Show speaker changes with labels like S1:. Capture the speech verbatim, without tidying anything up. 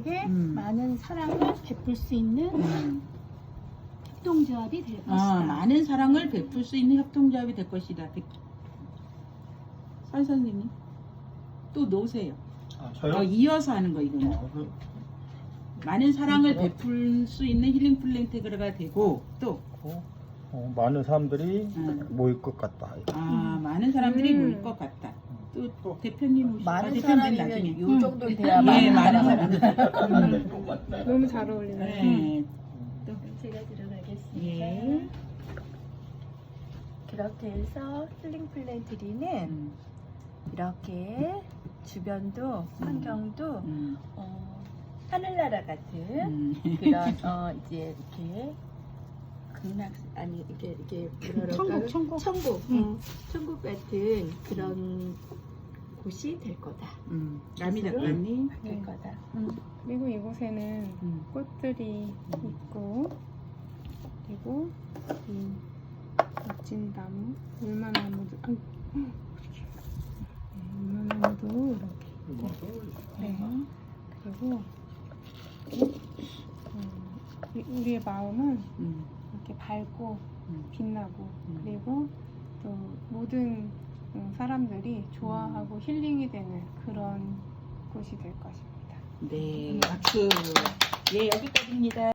S1: 사람들에게
S2: 음.
S1: 많은 사랑을 베풀 수 있는
S2: 음.
S1: 협동조합이 될 것이다.
S2: 아, 많은 사랑을 베풀 수 있는 협동조합이 될 것이다. 설 선생님 또 놓으세요.
S3: 아, 저요?
S2: 어, 이어서 하는 거 이거는.
S3: 어, 그,
S2: 많은 사랑을
S3: 어.
S2: 베풀 수 있는 힐링 플랜테그가 되고 또
S3: 어, 어, 많은 사람들이
S2: 음.
S3: 모일 것 같다.
S2: 아, 많은 사람들이
S4: 음.
S2: 모일 것 같다. 또
S3: 또.
S2: 대표님 오시고
S5: 많은
S2: 대표님
S5: 사람이면
S2: 나중에.
S5: 요
S1: 음.
S5: 정도 돼야
S2: 예,
S5: 많은
S2: 많은
S5: 사람.
S2: 사람.
S4: 너무 잘 어울리네요.
S2: 네.
S5: 제가 들어가겠습니다.
S2: 예.
S5: 그렇게 해서 힐링 플랜트리는
S2: 음,
S5: 이렇게 주변도 환경도
S2: 음,
S5: 어, 하늘나라 같은
S2: 음.
S5: 그런 어 이제 이렇게 극락 아니 이게 이게 뭐라
S1: 천국,
S5: 그럴까요?
S1: 천국.
S5: 천국,
S1: 응.
S5: 어, 천국 같은 그런 곳이 될 거다.
S2: 음. 남이
S5: 스스로
S2: 닦았니?
S5: 될
S4: 네.
S5: 거다.
S4: 그리고 이곳에는
S2: 음.
S4: 꽃들이 있고 그리고 이 멋진 나무, 울마나무도 아, 네, 울마나무도 이렇게 네. 그리고 음, 우리- 우리의 마음은
S2: 음,
S4: 이렇게 밝고
S2: 음.
S4: 빛나고
S2: 음.
S4: 그리고 또 모든 음, 사람들이 좋아하고 힐링이 되는 그런 곳이 될 것입니다.
S2: 네, 박수. 예, 여기까지입니다.